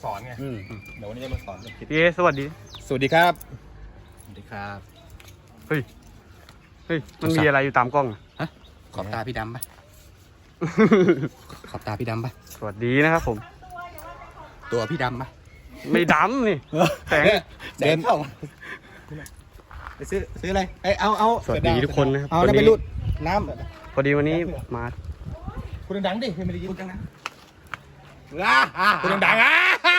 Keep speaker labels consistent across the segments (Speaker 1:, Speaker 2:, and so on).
Speaker 1: สอนไงเดี๋ยววันนี้จะมาสอนคิด
Speaker 2: พี่เอสวัสดี
Speaker 1: สวัสดีครับ
Speaker 3: สวัสดีครับ
Speaker 2: เฮ้ยมันมีอะไรอยู่ตามกล้อง
Speaker 3: ขอบตาพี่ดำปะ ขอบตาพี่ดำปะ
Speaker 2: สวัสดีนะครับผม
Speaker 3: ตัวพี่ดำปะ
Speaker 2: ไม่ดำนี่แสง
Speaker 3: เดินเข้าไปซื้ออะไรเอา
Speaker 2: สวัสดีทุกคนนะครับ
Speaker 3: เอา
Speaker 2: วัน
Speaker 3: แล้วไป
Speaker 2: นี้
Speaker 3: รูดน้
Speaker 2: พอดีวันนี้มา
Speaker 1: คุณดังดิไม่ได้ยิน
Speaker 3: ำจังนะ
Speaker 1: คุณดังอ่ะ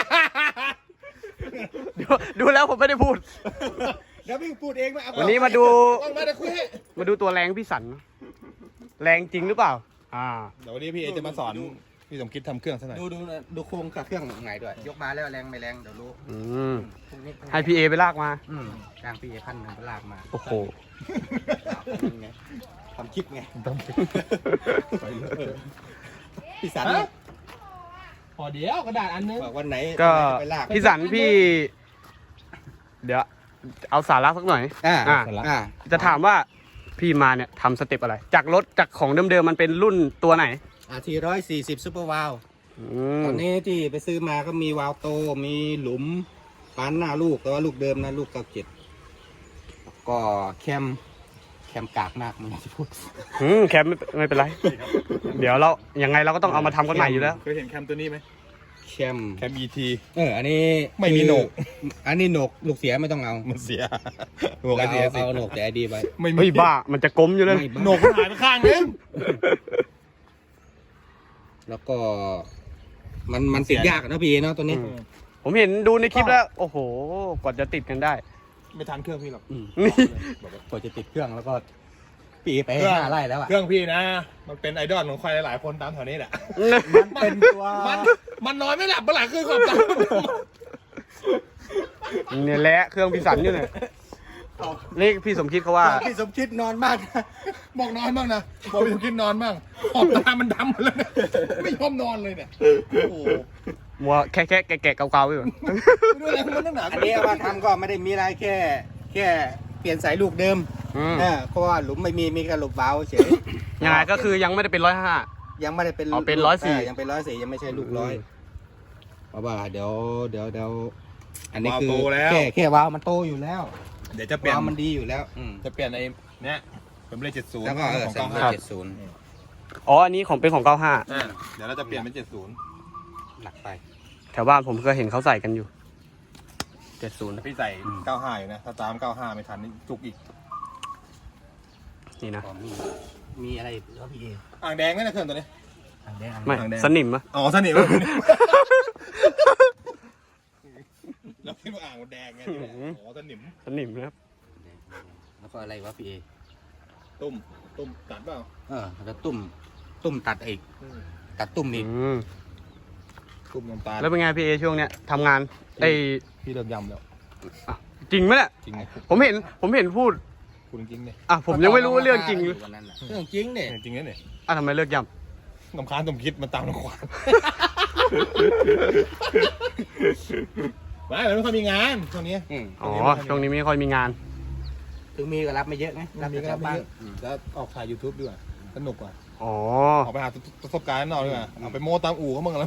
Speaker 2: ดูแล้วผมไม่ได้พูด
Speaker 3: เดี๋ยวพี่พูดเองมา
Speaker 2: วันนี้มาดู
Speaker 1: มาคุยให้
Speaker 2: มาดูตัวแรงพี่สัน แรงจริงหรือเปล่า
Speaker 1: เดี๋ยววันนี้พี่เอจะมาสอนพี่สมคิดทำเครื่องซะหน่อย
Speaker 3: ดูโครงกับเครื่องไงด้วย ยกมาแล้วแรงไม่แรงเดี๋ยวรู้ พรุ่งนี้
Speaker 2: ให้พี่เอไปลากมา
Speaker 3: จ้างพี่เอ1,000ไปลากมา
Speaker 2: โอ้โห
Speaker 3: ไงทำคลิปไงพี่สัน
Speaker 1: พอเดี๋ยวกระดาษอันนึง
Speaker 3: บอกวันไหน
Speaker 2: ก็
Speaker 3: ไปลาก
Speaker 2: พี่สันพี่ เดี๋ยวเอาสาระสักหน่อย จะถามว่าพี่มาเนี่ยทำสเต็ปอะไร จากรถจากของเดิมๆมันเป็นรุ่นตัวไหน
Speaker 3: 140ซุปเปอร์วาลตอนนี้ที่ไปซื้อมาก็มีวาลโตมีหลุมปั้นหน้าลูกแต่ว่าลูกเดิมนะลูก97ก็แคมกากมากมันจะพูด
Speaker 2: แคมไม่เป็นไร เดี๋ยวเรายังไงเราก็ต้องเอามาทำกันใหม่อยู่แล้ว
Speaker 1: เคยเห็นแคมตัวนี้ไหม
Speaker 3: แคม
Speaker 1: ET
Speaker 3: อันนี้
Speaker 1: ไม่มีโหนก
Speaker 3: อันนี้โหนกลูกเสียไม่ต้องเอา
Speaker 1: มันเสีย
Speaker 3: เราเอาโหนกแต่ไอดีไว้
Speaker 1: ไม่มี
Speaker 2: เฮ้ยบ้า มันจะกลมอยู่เลย
Speaker 1: โหนกมันหายไปข้างนึง
Speaker 3: แล้วก็มันติดยากนะพี่เนาะตัวนี้
Speaker 2: ผมเห็นดูในคลิปแล้ว โอ้โห กว่าจะติดกันได้
Speaker 1: ไม่ทันเครื่องพี่หรอก
Speaker 2: นี่
Speaker 3: กว่าจะติดเครื่องแล้วก็ปีไป
Speaker 1: เครื่อง
Speaker 3: 5 ไร่แล้วอ่ะ
Speaker 1: เครื่องพี่นะ มันเป็นไอดอลของใครหลายๆคนตามแถวนี้แหละ
Speaker 3: มันเป็นตัว
Speaker 1: มันนอนไม่หลับเมื่อไหร่คือขอบตา
Speaker 2: เนี่ยแหละเครื่องพี่สันอยู่เนี่ยนี่พี่สมคิดเขาว่า
Speaker 3: พี่สมคิดนอนมากนะ
Speaker 1: บอกนอนบ้างนะบอกพี่สมคิดนอนบ้างขอบตามันดำหมดแล้วเนี่ยไม่ยอมนอนเลยเนี่ยโอ้
Speaker 2: มัวแค่แกะเก่าๆอยู่
Speaker 1: ไม่รู้อะไรมันตั้งหนา
Speaker 3: อันนี้เอามาทำก็ไม่ได้มีอะไรแค่เปลี่ยนสายลูกเดิมเพราะว่าหลุมไม่มีแค่ลูกเบาเฉย
Speaker 2: ยังไงก็คือยังไม่ได้เป็น105
Speaker 3: ยังไม่ได้เป็น
Speaker 2: อ๋อเป็น104
Speaker 3: ยังเป็น104ยังไม่ใช่ลูก100เพราะว่าเดี๋ยวอันนี้คือแค่วาล์วมันโตอยู่แล้ว
Speaker 1: เดี๋ยวจะเปลี่ยน
Speaker 3: วาล์วมันดีอยู่แล้ว
Speaker 1: จะเปลี่ยนไอ้เนี้ยเป็นเลข70
Speaker 3: แล้วก็
Speaker 1: ของ
Speaker 3: สาม
Speaker 1: 95
Speaker 2: อ๋ออันนี้ของเป็นของ95
Speaker 1: เดี๋ยวเราจะเปลี่ยนเป็น70
Speaker 3: หนักไป
Speaker 2: แถวบ้านผมก็เห็นเขาใส่กันอยู่70
Speaker 1: พี่ใส่95อยู่นะถ้าตาม95ไม่ทันนี่จุกอีก
Speaker 2: นี่นะ
Speaker 3: มีอะไรอีกแล้วพี่เอ
Speaker 1: อ่างแดงไหมนะเครื่องตัวนี้
Speaker 2: ไม่
Speaker 1: หางแดง
Speaker 2: สนิมอะ
Speaker 1: อ๋อสนิมเราคิดว่าอ่างมันแดงไงอ๋อสนิม
Speaker 2: สนิมนะครับ
Speaker 3: แล้วก็อะไรวะพี่เอ
Speaker 1: ตุ้มตัดเปล่า
Speaker 3: แล้วตุ่มตัดอีกตัดตุ่มอีก
Speaker 1: ตุ้มน้ำตาล
Speaker 2: แล้วเป็นไงพี่เอช่วงเนี้ยทำงานไอ้
Speaker 1: พี่เลิกยำแล้ว
Speaker 2: จริงไหมเนี่ย
Speaker 1: จริง
Speaker 2: ผมเห็นพูด
Speaker 1: คุณจริงเนี่ย
Speaker 2: ผมยังไม่รู้ว่าเรื่องจริงหรือ
Speaker 3: วันนั้นเรื่องจริงเนี่ย
Speaker 1: จริงเนี่ย
Speaker 2: ทำไมเลิกย่
Speaker 1: ลำคาญสมคิดมันตามลำควานไม่ค่อยมีงานช่วงนี้
Speaker 2: ำอ๋อช่วงนี้ไม่ค่อยมีงาน
Speaker 3: ถึงมีก็รับไม่เยอะไงรับ
Speaker 1: มี
Speaker 3: แต่
Speaker 1: ก็
Speaker 3: ชาวบ้าน
Speaker 1: แล้วออกถ่าย YouTube ดีกว่าสนุกกว่า
Speaker 2: อ๋อ
Speaker 1: ออกไปหาประสบการณ์นอกดีกว่าเอาไปโม้ตามอู่เขาบ้างแล้ว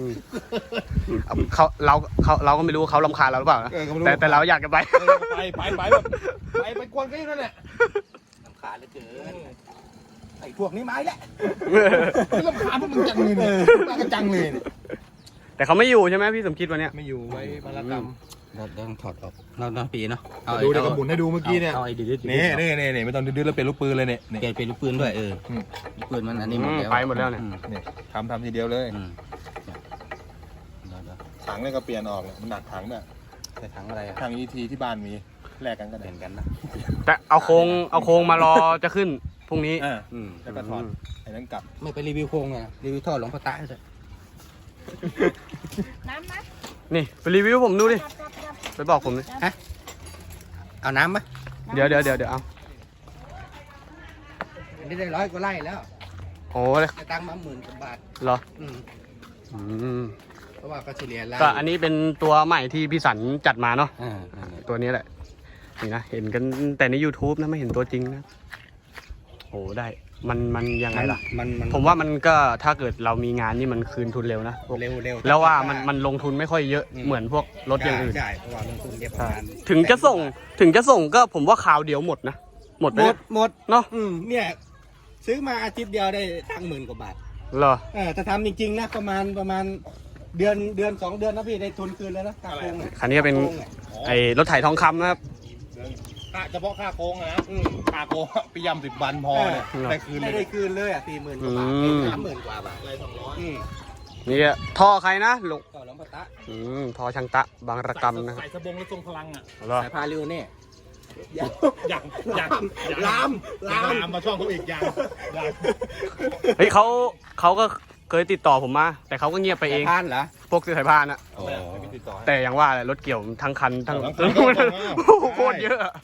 Speaker 2: เราก็ไม่รู้ว่าเขารำคาญเราหรือเปล่านะ
Speaker 1: ก็ไม่รู้
Speaker 2: แต่เราอยากจะไป
Speaker 1: ไปแบบไปกวนก็อยู่นั่นแหละ
Speaker 3: ลำคาญเหลือเกินไอ้พวกนี้ไม้แหละ
Speaker 1: ลำคาญพวกมึงจังเลยเนี่ยมากันจังเลยเนี่ย
Speaker 2: แต่เขาไม่อยู่ใช่ไหมพี่สมคิดวันเนี้ย
Speaker 1: ไม่อยู่ไว้มารกรรม
Speaker 3: เราต้องถอดออกเราปีเนาะ
Speaker 1: ดูเดี๋ยวก็หมุนให้ดูเมื่อกี้เนี่ย
Speaker 3: เอาไอ้ดื้อ
Speaker 1: นี่ไม่ต้องดื้อแล้วเปลี่ยนลูกปืนเลยเนี่ย
Speaker 3: เปลี่ยนเป็นลูกปืนด้วยลูกปืนมันอันนี้หมดแล้ว
Speaker 2: ไปหมดแล้วเนี่ย
Speaker 1: นี่ทำทีเดียวเลย
Speaker 3: เดี๋ยว
Speaker 1: ถังเนี่ยก็เปลี่ยนออกเนี่ยมันหนักถังเนี่ย
Speaker 3: ใส่ถังอะไรอะ
Speaker 1: ถัง ET ที่บ้านมีแลกกันก็
Speaker 3: เห
Speaker 1: ได้
Speaker 3: มือนกันนะ
Speaker 2: แต่เอาโครงมารอจะขึ้นพรุ่งนี้
Speaker 1: แล้วก็ถอดไอ้นั้นกลับ
Speaker 3: ไม่ไปรีวิวโครงไงรีวิวท่อหลวงพ่อตาเลย
Speaker 4: น้ำนะ
Speaker 2: นี่ไปรีวิวผมดูดิ ไปบอกผมดิ
Speaker 3: เอาน้ำไหม
Speaker 2: เดี๋ยวเอา
Speaker 3: อันนี้ได้100 กว่าไร่แล้ว
Speaker 2: โอ้
Speaker 3: จะตั้งมา10,000 กว่าบาท
Speaker 2: เหรอ
Speaker 3: เพราะว่าก็เฉลี่ยไร่
Speaker 2: ก็อันนี้เป็นตัวใหม่ที่พี่สันจัดมาเนาะ
Speaker 3: นั่นแหละ
Speaker 2: ตัวนี้แหละ นี่นะ เห็นกันแต่ใน YouTube นะไม่เห็นตัวจริงนะโอ้ได้มันยังไงล่ะ
Speaker 3: มัน
Speaker 2: ผมว่ามันก็ถ้าเกิดเรามีงานนี่มันคืนทุนเร็วนะพวก
Speaker 3: เร็ว
Speaker 2: แล้วว่ามันลงทุนไม่ค่อยเยอะเหมือนพวกรถอย่างอื่น
Speaker 3: ใช่เพราะว่าลงทุนเยอะประมาณ
Speaker 2: ถึงจะส่งก็ผมว่าคราวเดียวหมดนะหมดไป
Speaker 3: หมด
Speaker 2: เนาะ
Speaker 3: เนี่ยซื้อมาอาทิตย์เดียวได้ตังค์10,000 กว่าบาท
Speaker 2: เหรอ
Speaker 3: ถ้าทำจริงๆนะประมาณเดือน2 เดือนนะพี่ได้ทุนคืนแล้วนะค่าโกง
Speaker 2: คันนี้เป็นไอ้รถไถทองคำนะครับ
Speaker 1: เฉพาะค่าโค้งนะค่าโค้งไปยำ10 วันพอเนี่ยได้คืนเล
Speaker 3: ไม่
Speaker 1: ย
Speaker 3: ได้คืนเลยอ่ะ40,000 กว่าบาท 30,000 กว่าบาท
Speaker 1: อะไร200
Speaker 2: นี่ท่อใครนะลุง
Speaker 3: ก็หลวงพ่อตะ
Speaker 2: ท่อช่างตะบางระกำนะครับ
Speaker 1: ใส่สบงแล้วทรงพลังอ่ะ
Speaker 2: เหรอ
Speaker 3: สายพาริวเนี่ย
Speaker 1: อย่างลามมาช่องเขาอีกอย่าง
Speaker 2: เฮ้ยเขาก็เคยติดต่อผมมาแต่เขาก็เงียบไปเอง
Speaker 3: พานเหรอ
Speaker 2: พวกสายพานอะ
Speaker 1: ไม่ติดต่อ
Speaker 2: แต่อย่างว่าแหละรถเกี่ยวทั้งคันทั้ง
Speaker 1: ทั้งคันก็ส่งมา
Speaker 2: โคตรเยอะอะ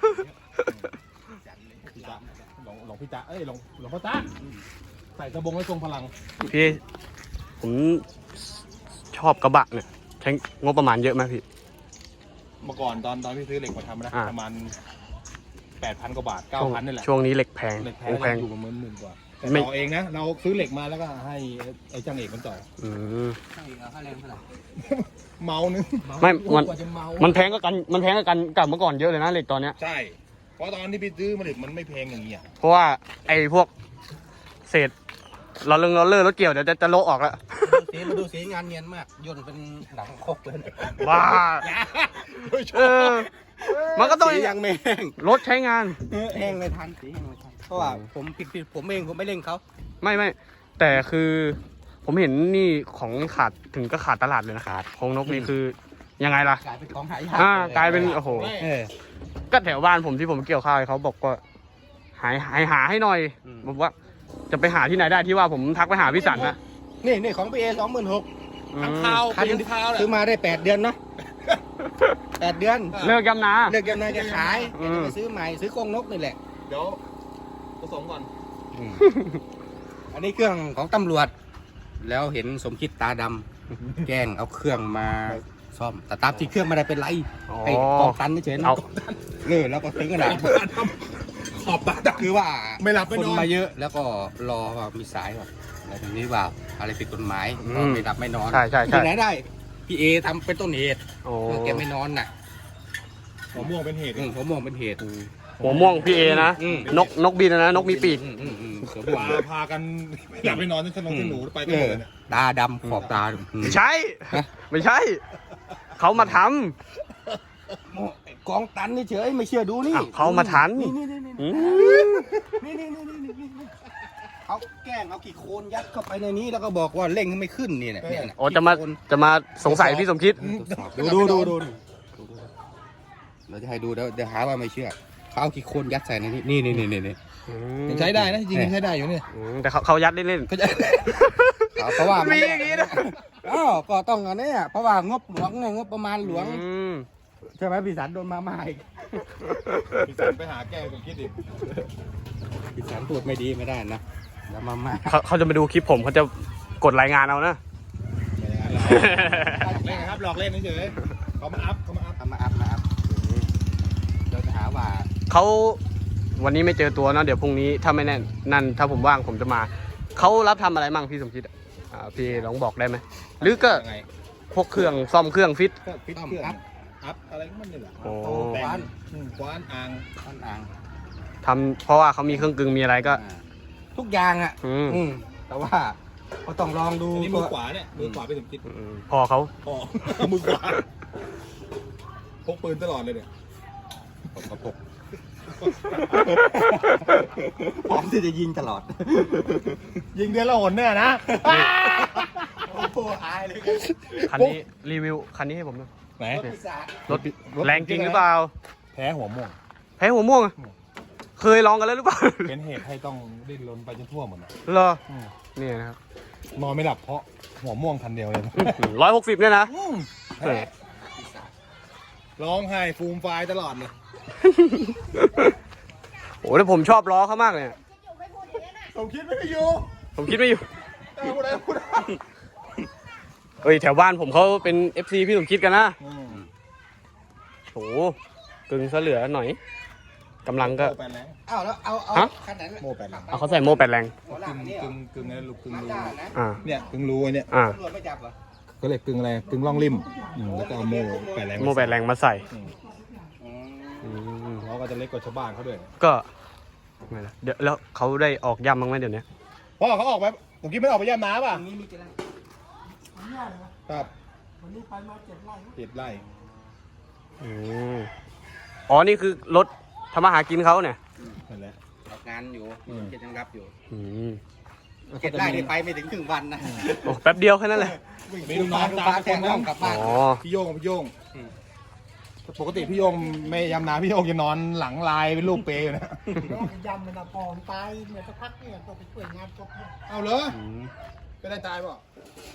Speaker 1: หลวงพี่จ๊ะหลวงพ่อจ๊ะใส่สบงแล้วทรงพลัง
Speaker 2: พี่ผมชอบกระบะเนี่ยใช้งบประมาณเยอะไหมพี่
Speaker 1: เมื่อก่อนตอนพี่ซื้อเหล็กมาทำนะประมาณ 8,000 กว่าบาท 9,000นี่แหละ
Speaker 2: ช่วงนี้เหล็กแพง
Speaker 1: เหล็กแพ
Speaker 2: แพง
Speaker 1: งอยู่ประมาณ10,000 กว่าแต่
Speaker 2: ไม่
Speaker 1: ต่อเองนะเราซื้อเหล็กมาแล้วก็ให้ไอ้ช่างเอกมันต่อ
Speaker 2: อืม
Speaker 3: เอาค่าแรงเท่าไหร่
Speaker 1: เมานึง
Speaker 2: ไม่มัน
Speaker 3: กว่าจะเมา
Speaker 2: มันแพงก็กันกับเมื่อก่อนเยอะเลยนะเหล็กตอนเนี้ย
Speaker 1: ใช่ เพราะตอนที่พี่ซื้อมาเหล็กมันไม่แพงอย่างนี้อ่ะ
Speaker 2: เพราะว่าไอ้พวกเศษเราเลื่อรถเกี่ยวเดี๋ยวจะโละออกแล้ว
Speaker 3: มาดูสีงานเนียนมากย่นเป็นหนังคกเลย
Speaker 2: ว้าเออมันก็ต้อง
Speaker 3: สียังไม่แห้ง
Speaker 2: รถใช้งาน
Speaker 3: แห้งไม่ทันสีแห้งไม่ทันเพราะว่าผมผิดผมเองผมไม่เล่นเขา
Speaker 2: ไม่แต่คือผมเห็นนี่ของขาดถึงก็ขาดตลาดเลยนะขาดของนกนี่คือยังไงล่ะ
Speaker 3: กลายเป็นของหายาก
Speaker 2: กลายเป็นโอ้โห
Speaker 3: เออ
Speaker 2: ก็แถวบ้านผมที่ผมเกี่ยวข้าวเขาบอกว่าหาให้หน่อยบอกว่าจะไปหาที่ไหนได้ที่ว่าผมทักไปหาพี่สันนะ
Speaker 3: นี่ของพี่เอ26,000
Speaker 1: ทั้งข้าว
Speaker 3: คัน
Speaker 1: เป็นข้าวแหละ
Speaker 3: ซื้อมาได้8 เดือนเนาะ8 เดือน
Speaker 2: เลิกยำนา
Speaker 3: เลิกยำนาจะขาย
Speaker 2: อืม
Speaker 3: จะไปซื้อใหม่ซื้อกรงนกนี่แหละ
Speaker 1: เดี๋ยวผสมก่อน
Speaker 3: อันนี้เครื่องของตำรวจ แล้วเห็นสมคิดตาดำแกล้งเอาเครื่องมาซ่อมแต่ตามที่เครื่องไม่ได้เป็นไร
Speaker 2: อ๋อ
Speaker 3: ไอ้กองตันเฉยๆนะ
Speaker 2: เอา
Speaker 3: แล้วก็ถึงขนาด
Speaker 1: ขอบตาดำ
Speaker 3: คือว่า
Speaker 1: ไม่หลับไม่
Speaker 3: คน
Speaker 1: นอน
Speaker 3: มาเยอะแล้วก็รอว่ามีสายว่าอะไรแบบนี้ว่าอะไรผิดกฎหมายก็ไม่หลับไม่นอน
Speaker 2: ใช่
Speaker 3: ที่ไหนได้พี่เอทำเป็นต้นเหตุ
Speaker 2: โอ้
Speaker 3: แกไม่นอนน่ะ
Speaker 1: หัวม่วงเป็นเหตุ
Speaker 3: ผมมองเป็นเหตุ
Speaker 2: หัวม่วงพี่เอนะ
Speaker 3: อืม
Speaker 2: นกบินนะนกมีปีก
Speaker 3: เสือบ่วง
Speaker 1: พากันไม่หลับไม่นอนจนนหนูไปกันหมดเลยเนี่ย
Speaker 3: ตาดำขอบตา
Speaker 2: ไม่ใช่ ไม่ใช่ เขามาท
Speaker 3: กองตันเฉยๆไม่เชื่อดูนี่
Speaker 2: อ้าวเขามาทัน
Speaker 3: นี่
Speaker 2: ำอืม
Speaker 3: เขาแกล้งเอากี่โคนยัดเข้าไปในนี้แล้วก็บอกว่าเร่งไม่ขึ้นนี่แหละเนี่ย
Speaker 2: โอ้จะมาสงสัยพี่สมคิด
Speaker 3: ดูเราจะให้ดูเดี๋ยวหาว่าไม่เชื่อเขาเอากี่โคนยัดใส่ในนี้นี่
Speaker 1: ยังใช้ได้นะจริงๆยังใช้ได้อยู่เนี่ย
Speaker 2: แต่เขายัดเล่น
Speaker 3: ก็จะเพราะว่า
Speaker 2: มีอย่างนี้นะ
Speaker 3: อ้าวก็ต้องอันนี้เพราะว่างบหลวงไงงบประมาณหลวง
Speaker 2: อืม
Speaker 3: ใช่ไหมพี่สันโดนมาใหม่
Speaker 1: พี่สันไปหาแก้ผมคิดดิ
Speaker 3: พี่สันพูดไม่ดีไม่ได้นะแล้วมาใหม่
Speaker 2: เขาจะมาดูคลิปผมเขาจะกดรายงานเอานะ
Speaker 1: เล่นครับหลอกเล่นเฉยๆเขามาอัพ
Speaker 3: เอามาอัพเราจะหาว่า
Speaker 2: เขาวันนี้ไม่เจอตัวเนอะเดี๋ยวพรุ่งนี้ถ้าไม่แน่นนั่นถ้าผมว่างผมจะมาเขารับทำอะไรมั่งพี่สมคิดอะพี่ลองบอกได้ไหมหรือก็
Speaker 1: ยังไง
Speaker 2: พวกเครื่องซ่อมเครื่องฟิต
Speaker 1: ก็ฟิตเครื่องอัพอะไรก็มันนี่แหละ
Speaker 2: โอ้
Speaker 1: แต่งคว้านอ่าง
Speaker 3: ต้นอ่าง
Speaker 2: ทำเพราะว่าเขามีเครื่องกึ่งมีอะไรก็
Speaker 3: ทุกอย่างอ่ะ
Speaker 2: อืม
Speaker 3: แต่ว่าก็ต้องลองดู
Speaker 1: อันนี้มือขวาเนี่ยมือขวาไปถึงคิด
Speaker 2: พอเขา
Speaker 1: พอมือขวาพกปืนตลอดเลยเนี่ย
Speaker 3: ผมก็พกพร้อมที่จะยิงตลอด
Speaker 1: ยิงเดือนละหนเนี่ยนะ
Speaker 3: โอ้โหอายเลย
Speaker 2: คันนี้รีวิวคันนี้ให้ผมหน่อย
Speaker 1: ไหน
Speaker 2: รถแรงจริงหรือเปล่า
Speaker 1: แพ้หัวม่วง
Speaker 2: แพ้หัวม่วงอะเคยลองกันแล้วหรือเปล่า
Speaker 1: เป็นเหตุให้ต้องดิ้นรนไปจนทั่วหมดนะ
Speaker 2: เหรอนี่นะครับ
Speaker 1: นอนไม่หลับเพราะหัวม่วงคันเดียวเลย
Speaker 2: 160เนี่ยนะ
Speaker 1: แพ้ร้องไห้ฟูมไฟายตลอดเลย
Speaker 2: โอ้แล้วผมชอบล้อเขามากเลย
Speaker 1: ผมคิดไม่อยู่
Speaker 2: ผมคิดไม่อยู่
Speaker 1: พูดอะไรพูด
Speaker 2: เฮ้ยแถวบ้านผมเขาเป็น FC พี่สมคิดกันนะโหกึ่งซะเหลือหน่อยกำลังก็
Speaker 1: โม่แปดแรง
Speaker 3: เอาแล้วเอา
Speaker 2: ฮะ
Speaker 3: ขนาดนั้น
Speaker 1: โม่แปดแรง
Speaker 2: เอาเขาใส่โม่8 แรง
Speaker 3: หัวหลั
Speaker 1: กึ่
Speaker 3: ง
Speaker 1: ง
Speaker 3: นี่
Speaker 1: กึ่งกึ่งอะไรลูกกึ่งรู
Speaker 3: ด้านะ
Speaker 2: อ่า
Speaker 1: เนี่ยกึ่งรูไอ้เนี่ย
Speaker 2: อ่า
Speaker 3: ตำรวจไม่จับเหรอ
Speaker 1: ก็เลยกึ่งอะไรกึ่งร่องริมแล้วก็เอาโม่แปดแรง
Speaker 2: โม่8 แรงมาใส่
Speaker 3: อืม
Speaker 2: อืม
Speaker 1: เขาก็จะเล็กกว่าชาวบ้านเขาด้วย
Speaker 2: ก็ไงล่ะเดี๋ยวแล้วเขาได้ออกย่ำบ้างไหมเดี๋ยวนี้
Speaker 1: พ่อเขาออกไปผมคิดไม่ออกไปย่ำน้ำป่ะ
Speaker 3: ตรงนี้มีกี่ไร่
Speaker 1: ครับวันนี้ไปมา7 ไร่
Speaker 2: อืมอ๋อนี่คือรถทำมาหากินเขาเนี่ย
Speaker 1: นั่นแหละ
Speaker 3: ออกงานอยู่
Speaker 1: อืม
Speaker 3: เจ็ดยังรับอยู่
Speaker 2: อืม
Speaker 3: 7 ไร่นี่ไปไม่ถึงครึ่งวันนะ
Speaker 2: โอ้แป๊บเดียวแค่นั้นแหละ
Speaker 1: มีลูกน้องตาม
Speaker 3: แท
Speaker 1: คน
Speaker 3: ง
Speaker 1: นะ
Speaker 3: น้องกลับบ้าน
Speaker 2: อ๋อ
Speaker 1: พี่โยงพี่โยง
Speaker 3: อืม
Speaker 1: ปกติพี่โยงไม่ยำน้ำพี่โยงจะนอนหลังลายเป็นรูปเปรย์อยู่นะ
Speaker 4: ยำมันอะพองตายเหมือนสักพักเนี่ยต้องไปช่วยงานศพเนี่ย
Speaker 1: เอาเหรอ
Speaker 2: อืม
Speaker 1: เป็นได้ตายเปล่ะ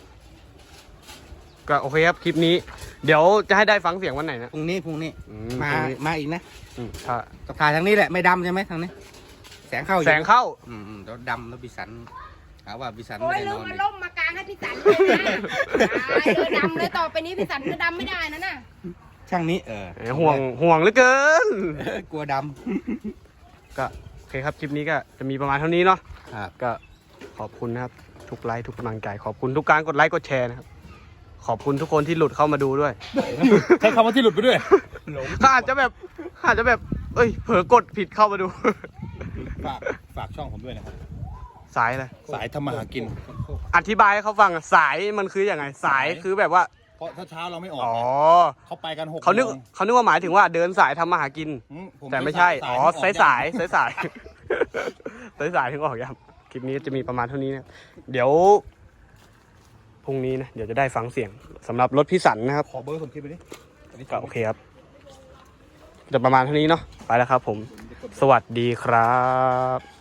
Speaker 2: ก็โอเคครับคลิปนี้ เดี๋ยวจะให้ได้ฟังเสียงวันไหนนะ
Speaker 3: พรุ่งนี้
Speaker 2: อื
Speaker 3: มา
Speaker 2: พรุ่งนี้
Speaker 3: มาอีกนะ
Speaker 2: ถ้า
Speaker 3: ต้องถ่ายทางนี้แหละไม่ดำใช่ไหมทางนี้ แสงเข้าอยู่
Speaker 2: แสงเข้า
Speaker 3: แล้วดำแล้วบิสันหาว่าบิสัน
Speaker 5: โอ้
Speaker 3: ไม่
Speaker 5: ย
Speaker 3: ได้
Speaker 5: ลื
Speaker 3: น
Speaker 5: ม
Speaker 3: อน
Speaker 5: มา
Speaker 3: อีก
Speaker 5: ล่มมากลางให้พี่สันเลยนะตายเลยดำเลยต่อไปนี้พี่สันก็ดำไม่ได้นะน่ะ
Speaker 3: ช่างนี้
Speaker 2: ห่วงเหลือเกิน
Speaker 3: กลัวด
Speaker 2: ก็โอเคครับคลิปนี้ก็จะมีประมาณเท่านี้เนาะ
Speaker 3: ำครับ
Speaker 2: ก็ขอบคุณนะครับทุกไลค์ทุกกำลังใจขอบคุณทุกการกดไลค์กดแชร์นะครับขอบคุณทุกคนที่หลุดเข้ามาดูด้วย
Speaker 1: ใช้คำว่าที่หลุดไปด้วย
Speaker 2: ก็อาจจะแบบเอ้ยเผลอกดผิดเข้ามาดู
Speaker 1: ฝากช่องผมด้วยนะครับ
Speaker 2: สายอะไร
Speaker 1: สายทำมาหากิน
Speaker 2: อธิบายให้เขาฟังอะสายมันคืออย่างไงสายคือแบบว่า
Speaker 1: เพราะถ้าเช้าเราไม่ออก
Speaker 2: อ๋อ
Speaker 1: เขาไปกัน6
Speaker 2: เขานึกว่าหมายถึงว่าเดินสายทำมาหากิน แต่ไม่ใช่อ๋อสายสายถึงออกยังคลิปนี้จะมีประมาณเท่านี้นะเดี๋ยวพรุ่งนี้นะเดี๋ยวจะได้ฟังเสียงสำหรับรถพี่สันนะครับ
Speaker 1: ขอเบอร์ผมคิดไปดิ
Speaker 2: ก็โอเคครับจะประมาณเท่านี้เนาะไปแล้วครับผม สวัสดีครับ